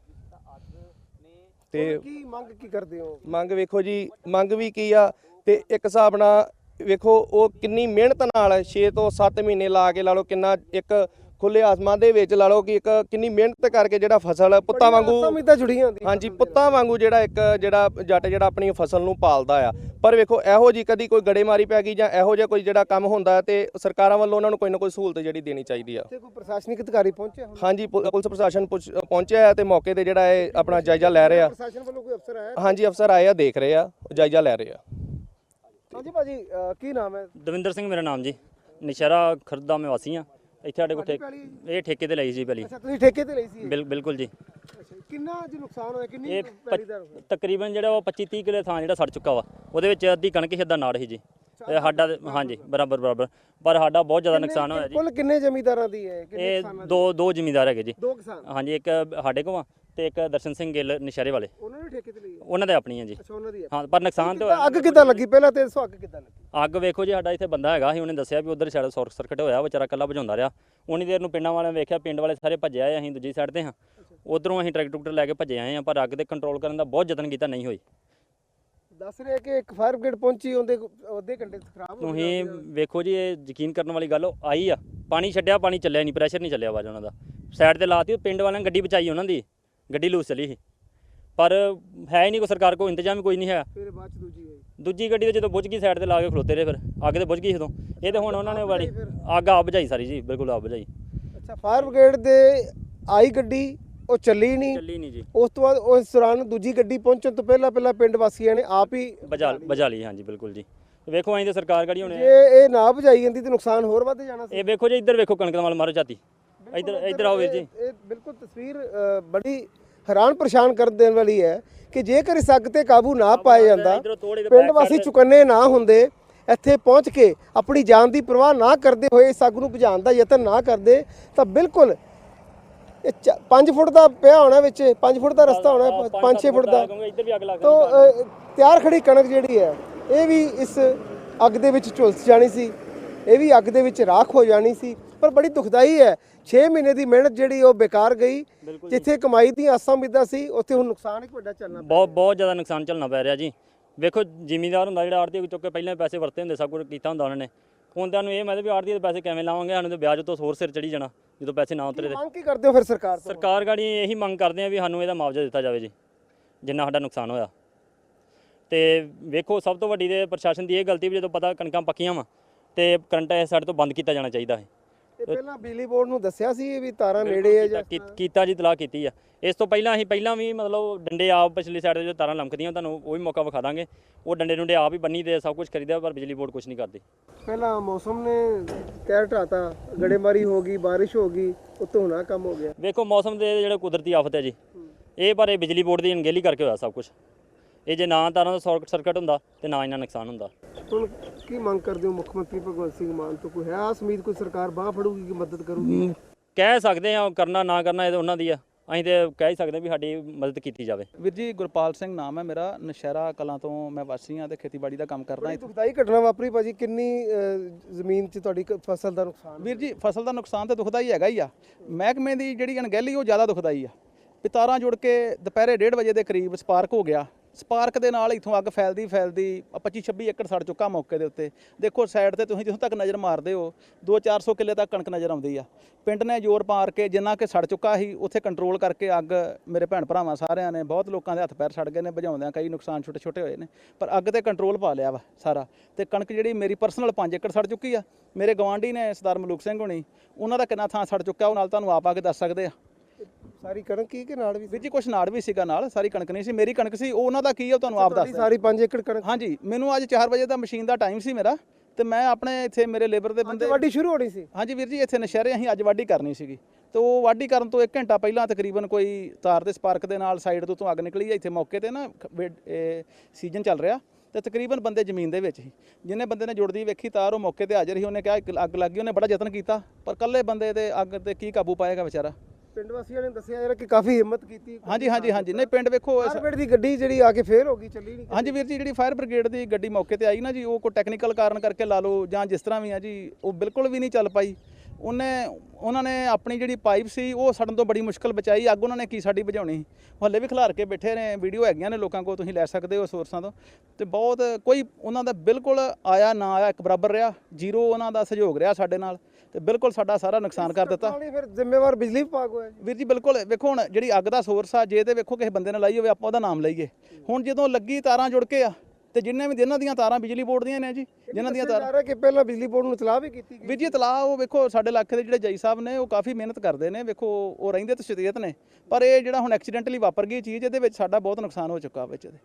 B: ਤੇ
A: ਕੀ ਮੰਗ ਕੀ ਕਰਦੇ ਹੋ?
B: ਮੰਗ ਵੇਖੋ ਜੀ, ਮੰਗ ਵੀ ਕੀ ਆ ਤੇ ਇੱਕ ਹਿਸਾਬ ਨਾਲ ਵੇਖੋ ਉਹ ਕਿੰਨੀ ਮਿਹਨਤ ਨਾਲ ਛੇ ਤੋਂ ਸੱਤ ਮਹੀਨੇ ਲਾ ਕੇ ਲਾ ਲਓ, ਕਿੰਨਾ ਇੱਕ ਖੁੱਲੇ ਆਸਮਾਨ ਦੇ ਵਿੱਚ ਲਾ ਲਓ ਕਿ ਇੱਕ ਕਿੰਨੀ ਮਿਹਨਤ ਕਰਕੇ ਜਿਹੜਾ ਫਸਲ ਪੁੱਤਾਂ ਵਾਂਗੂ
A: ਜੁੜੀਆਂ ਹੁੰਦੀਆਂ।
B: ਹਾਂਜੀ ਪੁੱਤਾਂ ਵਾਂਗੂ ਜਿਹੜਾ ਇੱਕ ਜਿਹੜਾ ਜੱਟ ਜਿਹੜਾ ਆਪਣੀ ਫਸਲ ਨੂੰ ਪਾਲਦਾ ਆ। ਪਰ ਵੇਖੋ ਇਹੋ ਜੀ ਕਦੀ ਕੋਈ ਗੜੇਮਾਰੀ ਪੈ ਗਈ ਜਾਂ ਇਹੋ ਜਿਹਾ ਕੋਈ ਜਿਹੜਾ ਕੰਮ ਹੁੰਦਾ ਤੇ ਸਰਕਾਰਾਂ ਵੱਲੋਂ ਉਹਨਾਂ ਨੂੰ ਕੋਈ ਨਾ ਕੋਈ ਸਹੂਲਤ ਜਿਹੜੀ ਦੇਣੀ ਚਾਹੀਦੀ ਆ।
A: ਤੇ ਕੋਈ ਪ੍ਰਸ਼ਾਸਨਿਕ ਅਧਿਕਾਰੀ ਪਹੁੰਚਿਆ? ਹਾਂਜੀ
B: ਪੁਲਿਸ ਪ੍ਰਸ਼ਾਸਨ ਪਹੁੰਚਿਆ ਹੈ ਤੇ ਮੌਕੇ ਤੇ ਜਿਹੜਾ ਇਹ ਆਪਣਾ ਜਾਇਜ਼ਾ ਲੈ ਰਹੇ ਆ।
A: ਪ੍ਰਸ਼ਾਸਨ ਵੱਲੋਂ ਕੋਈ ਅਫਸਰ ਆਇਆ?
B: ਹਾਂਜੀ ਅਫਸਰ ਆਏ ਆ, ਦੇਖ ਰਹੇ ਆ, ਜਾਇਜ਼ਾ ਲੈ ਰਹੇ ਆ।
A: ਹਾਂਜੀ ਭਾਜੀ ਕੀ ਨਾਮ ਹੈ?
C: ਦਵਿੰਦਰ ਸਿੰਘ ਮੇਰਾ ਨਾਮ ਜੀ, ਨੌਸ਼ਹਿਰਾ ਖੁਰਦ ਦਾ ਮੈਂ ਵਾਸੀ ਆ। ਇੱਥੇ ਸਾਡੇ ਕੋਲ ਇਹ ਠੇਕੇ ਤੇ ਲਈ ਸੀ ਪਹਿਲੀ।
A: ਅੱਛਾ ਤੁਸੀਂ ਠੇਕੇ ਤੇ ਲਈ ਸੀ?
C: ਬਿਲਕੁਲ ਜੀ।
A: ਕਿੰਨਾ ਜੀ ਨੁਕਸਾਨ ਹੋਇਆ? ਕਿੰਨੀ
C: ਇਹ ਤਕਰੀਬਨ ਜਿਹੜਾ ਉਹ ਪੱਚੀ ਤੀਹ ਕਿੱਲੇ ਥਾਂ ਜਿਹੜਾ ਸੜ ਚੁੱਕਾ ਵਾ, ਉਹਦੇ ਵਿੱਚ ਅੱਧੀ ਕਣਕ ਹੀ ਅੱਧਾ ਨਾੜ ਸੀ ਜੀ। ਤੇ ਸਾਡਾ ਹਾਂਜੀ ਬਰਾਬਰ ਬਰਾਬਰ, ਪਰ ਸਾਡਾ ਬਹੁਤ ਜ਼ਿਆਦਾ ਨੁਕਸਾਨ ਹੋਇਆ ਜੀ।
A: ਕੁੱਲ ਕਿੰਨੇ ਜ਼ਮੀਂਦਾਰਾਂ ਦੀ ਹੈ?
C: ਇਹ ਦੋ ਦੋ ਜ਼ਿਮੀਂਦਾਰ ਹੈਗੇ ਜੀ।
A: ਦੋ ਕਿਸਾਨ? ਹਾਂਜੀ, ਇੱਕ
C: ਸਾਡੇ ਕੋਲ ਤੇ ਇੱਕ ਦਰਸ਼ਨ ਸਿੰਘ ਗਿੱਲ ਨੌਸ਼ਹਿਰੇ ਵਾਲੇ।
A: ਉਹਨਾਂ ਨੇ ਠੇਕੇ ਤੇ ਲਈ?
C: ਉਹਨਾਂ ਦੇ ਆਪਣੀ ਹੈ ਜੀ।
A: ਅੱਛਾ ਉਹਨਾਂ ਦੀ ਹੈ।
C: ਹਾਂ, ਪਰ ਨੁਕਸਾਨ ਤੇ ਹੋਇਆ।
A: ਅੱਗ ਕਿੱਦਾਂ ਲੱਗੀ ਪਹਿਲਾਂ ਤੇ ਦੱਸੋ, ਅੱਗ ਕਿੱਦਾਂ ਲੱਗੀ?
C: ਅੱਗ ਵੇਖੋ ਜੀ, ਸਾਡਾ ਇੱਥੇ ਬੰਦਾ ਹੈਗਾ ਸੀ, ਉਹਨੇ ਦੱਸਿਆ ਵੀ ਉਧਰ ਸਾਡਾ ਸ਼ਾਰਟ ਸਰਕਟ ਹੋਇਆ, ਵਿਚਾਰਾ ਇਕੱਲਾ ਬੁਝਾਉਂਦਾ ਰਿਹਾ। ਉਨੀ ਦੇਰ ਨੂੰ ਪਿੰਡਾਂ ਵਾਲਿਆਂ ਵੇਖਿਆ, ਪਿੰਡ ਵਾਲੇ ਸਾਰੇ ਭੱਜੇ ਆਏ, ਅਸੀਂ ਦੂਜੀ ਸਾਈਡ ਤੇ ਹਾਂ। ਉਧਰੋਂ ਅਸੀਂ ਟਰੈਕਟਰ ਟਰੂਕਟਰ ਲੈ ਕੇ ਭੱਜੇ ਆਏ ਹਾਂ, ਪਰ ਅੱਗ ਤੇ ਕੰਟਰੋਲ ਕਰਨ ਦਾ ਬਹੁਤ ਯਤਨ ਕੀਤਾ, ਨਹੀਂ ਹੋਈ।
A: ਦੱਸ ਰਹੇ ਕਿ ਇੱਕ ਫਾਇਰ ਬ੍ਰਿਗੇਡ ਪਹੁੰਚੀ, ਉਹਦੇ ਅੱਧੇ ਘੰਟੇ ਖਰਾਬ ਹੋ
C: ਗਿਆ। ਤੁਸੀਂ ਵੇਖੋ ਜੀ, ਇਹ ਯਕੀਨ ਕਰਨ ਵਾਲੀ ਗੱਲ, ਉਹ ਆਈ ਆ, ਪਾਣੀ ਛੱਡਿਆ, ਪਾਣੀ ਚੱਲਿਆ ਨਹੀਂ, ਪ੍ਰੈਸ਼ਰ ਨਹੀਂ ਚੱਲਿਆ ਆਵਾਜ਼ ਉਹਨਾਂ ਦਾ। ਸਾਈਡ ਤੇ ਲਾਤੀ, ਪਿੰਡ ਵਾਲਿਆਂ ਨੇ ਗੱਡੀ ਬਚਾਈ, ਉਹਨਾਂ ਦੀ ਗੱਡੀ ਲੂਸ ਚਲੀ ਸੀ, ਪਰ ਹੈ ਹੀ ਨਹੀਂ ਕੋਈ ਸਰਕਾਰ ਕੋਲ ਇੰਤਜ਼ਾਮ ਹੀ ਕੋਈ ਨਹੀਂ ਹੈ।
A: ਫਿਰ ਬਾਅਦ ਚ ਦੂਜੀ ਹੋਈ,
C: ਦੂਜੀ ਗੱਡੀ ਤੇ ਜਦੋਂ ਬੁਝ ਗਈ ਸਾਈਡ ਤੇ ਲਾ ਕੇ ਖਲੋਤੇ ਰਹੇ, ਫਿਰ ਅੱਗ ਤੇ ਬੁਝ ਗਈ ਉਦੋਂ। ਇਹ ਤੇ ਹੁਣ ਉਹਨਾਂ ਨੇ ਵਾਲੀ ਅੱਗ ਆਪ ਬੁਝਾਈ ਸਾਰੀ ਜੀ, ਬਿਲਕੁਲ ਆਪ ਬੁਝਾਈ।
A: ਅੱਛਾ, ਫਾਇਰ ਬ੍ਰਿਗੇਡ ਦੇ ਆਈ ਗੱਡੀ ਉਹ ਚੱਲੀ ਨਹੀਂ
C: ਚੱਲੀ ਨਹੀਂ ਜੀ।
A: ਉਸ ਤੋਂ ਬਾਅਦ ਉਸ ਦੌਰਾਨ ਦੂਜੀ ਗੱਡੀ ਪਹੁੰਚਣ ਤੋਂ ਪਹਿਲਾਂ ਪਹਿਲਾਂ ਪਿੰਡ ਵਾਸੀਆਂ ਨੇ ਆਪ ਹੀ
C: ਬੁਝਾ ਬੁਝਾ ਲਈ। ਹਾਂਜੀ ਬਿਲਕੁਲ ਜੀ। ਵੇਖੋ ਅਸੀਂ ਤੇ ਸਰਕਾਰ ਗੜੀ ਹੋਣੇ,
A: ਜੇ ਇਹ ਨਾ ਬੁਝਾਈ ਜਾਂਦੀ ਤੇ ਨੁਕਸਾਨ ਹੋਰ ਵੱਧ ਜਾਣਾ ਸੀ।
C: ਇਹ ਵੇਖੋ ਜੀ, ਇੱਧਰ ਵੇਖੋ ਕਣਕ ਦਾ ਮਾਲ ਮਾਰੋ ਝਾਤੀ, ਇੱਧਰ ਇੱਧਰ ਆਓ ਵੀਰ ਜੀ।
A: ਇਹ ਬਿਲਕੁਲ ਤਸਵੀਰ ਬੜੀ ਹੈਰਾਨ ਪਰੇਸ਼ਾਨ ਕਰ ਦੇਣ ਵਾਲੀ ਹੈ ਕਿ ਜੇਕਰ ਇਸ ਅੱਗ ਤੇ ਕਾਬੂ ਨਾ ਪਾਇਆ ਜਾਂਦਾ, ਪਿੰਡ ਵਾਸੀ ਚੁਕੰਨੇ ਨਾ ਹੁੰਦੇ, ਇੱਥੇ ਪਹੁੰਚ ਕੇ ਆਪਣੀ ਜਾਨ ਦੀ ਪਰਵਾਹ ਨਾ ਕਰਦੇ ਹੋਏ ਇਸ ਅੱਗ ਨੂੰ ਬੁਝਾਉਣ ਦਾ ਯਤਨ ਨਾ ਕਰਦੇ, ਤਾਂ ਬਿਲਕੁਲ ਇਹ ਪੰਜ ਫੁੱਟ ਦਾ ਪਿਆ ਹੋਣਾ ਵਿੱਚ, ਪੰਜ ਫੁੱਟ ਦਾ ਰਸਤਾ ਹੋਣਾ, ਪੰਜ ਛੇ ਫੁੱਟ ਦਾ।
C: ਇੱਧਰ ਵੀ ਅੱਗ ਲੱਗ
A: ਤਾਂ ਅ, ਤਿਆਰ ਖੜੀ ਕਣਕ ਜਿਹੜੀ ਹੈ ਇਹ ਵੀ ਇਸ ਅੱਗ ਦੇ ਵਿੱਚ ਝੁਲਸ ਜਾਣੀ ਸੀ, ਇਹ ਵੀ ਅੱਗ ਦੇ ਵਿੱਚ ਰਾਖ ਹੋ ਜਾਣੀ ਸੀ। ਪਰ ਬੜੀ ਦੁਖਦਾਈ ਹੈ, ਛੇ ਮਹੀਨੇ ਦੀ ਮਿਹਨਤ ਜਿਹੜੀ ਉਹ ਬੇਕਾਰ ਗਈ। ਜਿੱਥੇ ਕਮਾਈ ਦੀਆਂ ਆਸਾਂ ਉਮੀਦਾਂ ਸੀ ਉੱਥੇ ਹੁਣ ਨੁਕਸਾਨ ਇੱਕ ਵੱਡਾ ਚੱਲਣਾ
C: ਬਹੁਤ ਬਹੁਤ ਜ਼ਿਆਦਾ ਨੁਕਸਾਨ ਝੱਲਣਾ ਪੈ ਰਿਹਾ ਜੀ। ਵੇਖੋ ਜ਼ਿਮੀਂਦਾਰ ਹੁੰਦਾ ਜਿਹੜਾ ਆੜ੍ਹਤੀ ਚੁੱਕ ਕੇ ਪਹਿਲਾਂ ਪੈਸੇ ਵਰਤੇ ਹੁੰਦੇ, ਸਭ ਕੁਝ ਕੀਤਾ ਹੁੰਦਾ ਉਹਨਾਂ ਨੇ। ਹੁੰਦਿਆਂ ਨੂੰ ਇਹ ਮਤਲਬ ਵੀ ਆੜ੍ਹਤੀ ਦੇ ਪੈਸੇ ਕਿਵੇਂ ਲਾਵਾਂਗੇ, ਸਾਨੂੰ ਤਾਂ ਵਿਆਜ ਤੋਂ ਹੋਰ ਸਿਰ ਚੜੀ ਜਾਣਾ ਜਦੋਂ ਪੈਸੇ ਨਾ ਉਤਰੇ।
A: ਮੰਗ ਕੀ ਕਰਦੇ ਹੋ ਫਿਰ ਸਰਕਾਰ ਤੋਂ?
C: ਸਰਕਾਰ ਗਾੜੀ ਇਹੀ ਮੰਗ ਕਰਦੇ ਆ ਵੀ ਸਾਨੂੰ ਇਹਦਾ ਮੁਆਵਜ਼ਾ ਦਿੱਤਾ ਜਾਵੇ ਜੀ, ਜਿੰਨਾ ਸਾਡਾ ਨੁਕਸਾਨ ਹੋਇਆ। ਤੇ ਵੇਖੋ ਸਭ ਤੋਂ ਵੱਡੀ ਤੇ ਪ੍ਰਸ਼ਾਸਨ ਦੀ ਇਹ ਗਲਤੀ ਵੀ ਜਦੋਂ ਪਤਾ ਕਣਕਾਂ ਪੱਕੀਆਂ ਵਾ ਤੇ ਕਰੰਟ ਇਹ ਸਾਡੇ ਤੋਂ ਬੰਦ ਕੀਤਾ ਜਾਣਾ ਚਾਹੀਦਾ ਹੈ।
A: ਇਹ ਪਹਿਲਾਂ ਬਿਜਲੀ ਬੋਰਡ ਨੂੰ ਦੱਸਿਆ ਸੀ ਵੀ ਤਾਰਾਂ ਨੇੜੇ ਹੈ ਜਾਂ
C: ਕੀਤਾ- ਕੀਤਾ ਜੀ, ਤਲਾਹ ਕੀਤੀ ਆ। ਇਸ ਤੋਂ ਪਹਿਲਾਂ ਅਸੀਂ ਪਹਿਲਾਂ ਵੀ ਮਤਲਬ ਡੰਡੇ ਆਪ ਪਿਛਲੀ ਸਾਈਡ ਤੇ ਜੋ ਤਾਰਾਂ ਲਮਕਦੀਆਂ ਤੁਹਾਨੂੰ ਉਹ ਵੀ ਮੌਕਾ ਵਿਖਾ ਦਾਂਗੇ। ਉਹ ਡੰਡੇ ਡੁੰਡੇ ਆਪ ਹੀ ਬੰਨੀ ਤੇ ਸਭ ਕੁਝ ਕਰੀਦਾ, ਪਰ ਬਿਜਲੀ ਬੋਰਡ ਕੁਝ ਨਹੀਂ ਕਰਦੀ।
A: ਪਹਿਲਾਂ ਮੌਸਮ ਨੇ ਕਹਿਰ ਢਾਤਾ, ਗੜੇਮਾਰੀ ਹੋ ਗਈ, ਬਾਰਿਸ਼ ਹੋ ਗਈ, ਉਤੋਂ ਹੋਣਾ ਕੰਮ ਹੋ ਗਿਆ।
C: ਵੇਖੋ ਮੌਸਮ ਦੇ ਜਿਹੜੇ ਕੁਦਰਤੀ ਆਫਤ ਹੈ ਜੀ, ਇਹ ਪਰ ਇਹ ਬਿਜਲੀ ਬੋਰਡ ਦੀ ਅਣਗਹਿਲੀ ਕਰਕੇ ਹੋਇਆ ਸਭ ਕੁਝ। ਇਹ ਜੇ ਨਾ ਤਾਰਾਂ ਦਾ ਸ਼ਾਰਟ ਸਰਕਟ ਹੁੰਦਾ ਤੇ ਨਾ ਇਹਨਾਂ ਨੁਕਸਾਨ ਹੁੰਦਾ।
A: ਹੁਣ ਕੀ ਮੰਗ ਕਰਦੇ ਹੋ ਮੁੱਖ ਮੰਤਰੀ ਭਗਵੰਤ ਸਿੰਘ ਮਾਨ ਤੋਂ? ਕੋਈ ਹੈ ਆਸ ਉਮੀਦ, ਕੋਈ ਸਰਕਾਰ ਬਾਹ ਫੜੂਗੀ ਕਿ ਮਦਦ ਕਰੂਗੀ?
C: ਕਹਿ ਸਕਦੇ ਆ, ਕਰਨਾ ਨਾ ਕਰਨਾ ਇਹ ਤਾਂ ਉਹਨਾਂ ਦੀ ਆ। ਅਸੀਂ ਤੇ ਕਹਿ ਹੀ ਸਕਦੇ ਵੀ ਸਾਡੀ ਮਦਦ ਕੀਤੀ ਜਾਵੇ।
D: ਵੀਰ ਜੀ ਗੁਰਪਾਲ ਸਿੰਘ ਨਾਮ ਹੈ ਮੇਰਾ, ਨਸ਼ਹਿਰਾ ਕਲਾਂ ਤੋਂ ਮੈਂ ਵਾਸੀ ਹਾਂ ਤੇ ਖੇਤੀਬਾੜੀ ਦਾ ਕੰਮ ਕਰਦਾ।
A: ਬੜੀ ਦੁਖਦਾਈ ਘਟਨਾ ਵਾਪਰੀ ਭਾਜੀ, ਕਿੰਨੀ ਅ, ਜ਼ਮੀਨ 'ਚ ਤੁਹਾਡੀ ਕ- ਫਸਲ ਦਾ ਨੁਕਸਾਨ?
D: ਵੀਰ ਜੀ ਫਸਲ ਦਾ ਨੁਕਸਾਨ ਤਾਂ ਦੁਖਦਾ ਹੀ ਹੈਗਾ ਹੀ ਆ। ਮਹਿਕਮੇ ਦੀ ਜਿਹੜੀ ਅਣਗਹਿਲੀ ਉਹ ਜ਼ਿਆਦਾ ਦੁਖਦਾਈ ਆ। ਵੀ ਤਾਰਾਂ ਜੁੜ ਕੇ ਦੁਪਹਿਰੇ ਡੇਢ ਵਜੇ ਦੇ ਕਰੀਬ ਸਪਾਰਕ ਹੋ ਗਿਆ। ਸਪਾਰਕ ਦੇ ਨਾਲ ਇੱਥੋਂ ਅੱਗ ਫੈਲਦੀ ਫੈਲਦੀ ਪੱਚੀ ਛੱਬੀ ਏਕੜ ਸੜ ਚੁੱਕਾ ਮੌਕੇ ਦੇ ਉੱਤੇ। ਦੇਖੋ ਸਾਈਡ ਤੇ ਤੁਸੀਂ ਜਿੱਥੋਂ ਤੱਕ ਨਜ਼ਰ ਮਾਰਦੇ ਹੋ ਦੋ ਚਾਰ ਸੌ ਕਿੱਲੇ ਤੱਕ ਕਣਕ ਨਜ਼ਰ ਆਉਂਦੀ ਆ। ਪਿੰਡ ਨੇ ਜ਼ੋਰ ਪਾਰ ਕੇ ਜਿੰਨਾ ਕਿ ਸੜ ਚੁੱਕਾ ਸੀ ਉੱਥੇ ਕੰਟਰੋਲ ਕਰਕੇ ਅੱਗ, ਮੇਰੇ ਭੈਣ ਭਰਾਵਾਂ ਸਾਰਿਆਂ ਨੇ, ਬਹੁਤ ਲੋਕਾਂ ਦੇ ਹੱਥ ਪੈਰ ਸੜ ਗਏ ਨੇ ਬੁਝਾਉਂਦਿਆਂ, ਕਈ ਨੁਕਸਾਨ ਛੋਟੇ ਛੋਟੇ ਹੋਏ ਨੇ, ਪਰ ਅੱਗ ਤੇ ਕੰਟਰੋਲ ਪਾ ਲਿਆ ਵਾ ਸਾਰਾ। ਤੇ ਕਣਕ ਜਿਹੜੀ ਮੇਰੀ ਪਰਸਨਲ ਪੰਜ ਏਕੜ ਸੜ ਚੁੱਕੀ ਆ। ਮੇਰੇ ਗਵਾਂਢੀ ਨੇ ਸਰਦਾਰ ਮਲੂਕ ਸਿੰਘ ਹੋਣੀ, ਉਹਨਾਂ ਦਾ ਕਿੰਨਾ ਥਾਂ ਸੜ ਚੁੱਕਾ ਉਹ ਨਾਲ ਤੁਹਾਨੂੰ ਆਪ ਆ ਕੇ ਦੱਸ ਸਕਦੇ ਆ।
A: ਸਾਰੀ ਕਣਕ ਕੀ ਕਿ ਨਾਲ ਵੀ?
D: ਵੀਰ ਜੀ ਕੁਛ ਨਾੜ ਵੀ ਸੀਗਾ ਨਾਲ, ਸਾਰੀ ਕਣਕ ਨਹੀਂ ਸੀ, ਮੇਰੀ ਕਣਕ ਸੀ। ਉਹ ਉਹਨਾਂ ਦਾ ਕੀ ਆ ਉਹ ਤੁਹਾਨੂੰ ਆਪ ਦੱਸ।
A: ਸਾਰੀ ਪੰਜ ਏਕੜ ਕਣਕ?
D: ਹਾਂਜੀ, ਮੈਨੂੰ ਅੱਜ ਚਾਰ ਵਜੇ ਦਾ ਮਸ਼ੀਨ ਦਾ ਟਾਈਮ ਸੀ ਮੇਰਾ, ਤੇ ਮੈਂ ਆਪਣੇ ਇੱਥੇ ਮੇਰੇ ਲੇਬਰ ਦੇ ਬੰਦੇ
A: ਵਾਢੀ ਸ਼ੁਰੂ ਹੋਣੀ ਸੀ। ਹਾਂਜੀ
D: ਵੀਰ ਜੀ, ਇੱਥੇ ਨਸ਼ਹਿਰੇ ਅਸੀਂ ਅੱਜ ਵਾਢੀ ਕਰਨੀ ਸੀਗੀ। ਤੇ ਉਹ ਵਾਢੀ ਕਰਨ ਤੋਂ ਇੱਕ ਘੰਟਾ ਪਹਿਲਾਂ ਤਕਰੀਬਨ ਕੋਈ ਤਾਰ ਦੇ ਸਪਾਰਕ ਦੇ ਨਾਲ ਸਾਈਡ ਤੋਂ ਤੋਂ ਅੱਗ ਨਿਕਲੀ ਹੈ। ਇੱਥੇ ਮੌਕੇ ਤੇ ਨਾ ਸੀਜ਼ਨ ਚੱਲ ਰਿਹਾ ਤੇ ਤਕਰੀਬਨ ਬੰਦੇ ਜ਼ਮੀਨ ਦੇ ਵਿੱਚ ਹੀ, ਜਿਹਨੇ ਬੰਦੇ ਨੇ ਜੁੜਦੀ ਵੇਖੀ ਤਾਰ ਉਹ ਮੌਕੇ ਤੇ ਹਾਜ਼ਰ ਸੀ। ਉਹਨੇ ਕਿਹਾ ਇੱਕ ਅੱਗ ਲੱਗ ਗਈ, ਉਹਨੇ ਬੜਾ ਯਤਨ ਕੀਤਾ, ਪਰ ਇਕੱਲੇ ਬੰਦੇ ਤੇ ਅੱਗ ਤੇ ਕੀ ਕਾਬੂ ਪਾਏਗਾ ਵਿਚਾਰਾ।
A: ਪਿੰਡ ਵਾਸੀਆਂ ਨੇ ਦੱਸਿਆ ਯਾਰ ਕਿ ਕਾਫੀ ਹਿੰਮਤ ਕੀਤੀ।
D: ਹਾਂਜੀ ਹਾਂਜੀ ਹਾਂਜੀ ਨਹੀਂ ਪਿੰਡ ਵੇਖੋ
A: ਫਾਇਰ ਦੀ ਗੱਡੀ ਜਿਹੜੀ ਆ ਕੇ ਫੇਲ ਹੋ ਗਈ, ਚੱਲੀ ਨਹੀਂ।
D: ਹਾਂਜੀ ਵੀਰ ਜੀ, ਜਿਹੜੀ ਫਾਇਰ ਬ੍ਰਿਗੇਡ ਦੀ ਗੱਡੀ ਮੌਕੇ ਤੇ ਆਈ ਨਾ ਜੀ, ਉਹ ਕੋਈ ਟੈਕਨੀਕਲ ਕਾਰਨ ਕਰਕੇ ਲਾ ਲਓ ਜਾਂ ਜਿਸ ਤਰ੍ਹਾਂ ਵੀ ਆ ਜੀ, ਉਹ ਬਿਲਕੁਲ ਵੀ ਨਹੀਂ ਚੱਲ ਪਾਈ। ਉਹਨੇ ਉਹਨਾਂ ਨੇ ਆਪਣੀ ਜਿਹੜੀ ਪਾਈਪ ਸੀ ਉਹ ਸੜਨ ਤੋਂ ਬੜੀ ਮੁਸ਼ਕਲ ਬਚਾਈ। ਅੱਗ ਉਹਨਾਂ ਨੇ ਕੀ ਸਾਡੀ ਬੁਝਾਉਣੀ, ਹੱਲੇ ਵੀ ਖਿਲਾਰ ਕੇ ਬੈਠੇ ਨੇ। ਵੀਡੀਓ ਹੈਗੀਆਂ ਨੇ ਲੋਕਾਂ ਕੋਲ, ਤੁਸੀਂ ਲੈ ਸਕਦੇ ਹੋ ਸੋਰਸਾਂ ਤੋਂ। ਤੇ ਬਹੁਤ ਕੋਈ ਉਹਨਾਂ ਦਾ ਬਿਲਕੁਲ ਆਇਆ ਨਾ ਆਇਆ ਇੱਕ ਬਰਾਬਰ ਰਿਹਾ, ਜ਼ੀਰੋ ਉਹਨਾਂ ਦਾ ਸਹਿਯੋਗ ਰਿਹਾ ਸਾਡੇ ਨਾਲ, ਤੇ ਬਿਲਕੁਲ ਸਾਡਾ ਸਾਰਾ ਨੁਕਸਾਨ ਕਰ ਦਿੱਤਾ।
A: ਫਿਰ ਜ਼ਿੰਮੇਵਾਰ ਬਿਜਲੀ ਵਿਭਾਗ ਹੋਇਆ
D: ਵੀਰ ਜੀ। ਬਿਲਕੁਲ ਵੇਖੋ ਹੁਣ ਜਿਹੜੀ ਅੱਗ ਦਾ ਸੋਰਸ ਆ, ਜੇ ਤੇ ਵੇਖੋ ਕਿਸੇ ਬੰਦੇ ਨੇ ਲਾਈ ਹੋਵੇ ਆਪਾਂ ਉਹਦਾ ਨਾਮ ਲਈਏ। ਹੁਣ ਜਦੋਂ ਲੱਗੀ ਤਾਰਾਂ ਜੁੜ ਕੇ ਆ, ਤੇ ਜਿੰਨੇ ਵੀ ਜਿਨ੍ਹਾਂ ਦੀਆਂ ਤਾਰਾਂ ਬਿਜਲੀ ਬੋਰਡ ਦੀਆਂ ਨੇ ਜੀ, ਜਿਨ੍ਹਾਂ ਦੀਆਂ ਤਾਰਾਂ
A: ਕਿ ਪਹਿਲਾਂ ਬਿਜਲੀ ਬੋਰਡ ਨੂੰ ਇਤਲਾਹ ਵੀ ਕੀਤੀ ਗਈ।
D: ਵੀਰ ਜੀ ਇਤਲਾਹ ਉਹ ਵੇਖੋ ਸਾਡੇ ਇਲਾਕੇ ਦੇ ਜਿਹੜੇ ਜੱਜ ਸਾਹਿਬ ਨੇ ਉਹ ਕਾਫੀ ਮਿਹਨਤ ਕਰਦੇ ਨੇ। ਵੇਖੋ ਉਹ ਰਹਿੰਦੇ ਤੇ ਸ਼ਰੀਅਤ ਨੇ, ਪਰ ਇਹ ਜਿਹੜਾ ਹੁਣ ਐਕਸੀਡੈਂਟਲੀ ਵਾਪਰ ਗਈ ਚੀਜ਼, ਇਹਦੇ ਵਿੱਚ ਸਾਡਾ ਬਹੁਤ ਨੁਕਸਾਨ ਹੋ ਚੁੱਕਾ ਵਿੱਚ ਇਹਦੇ।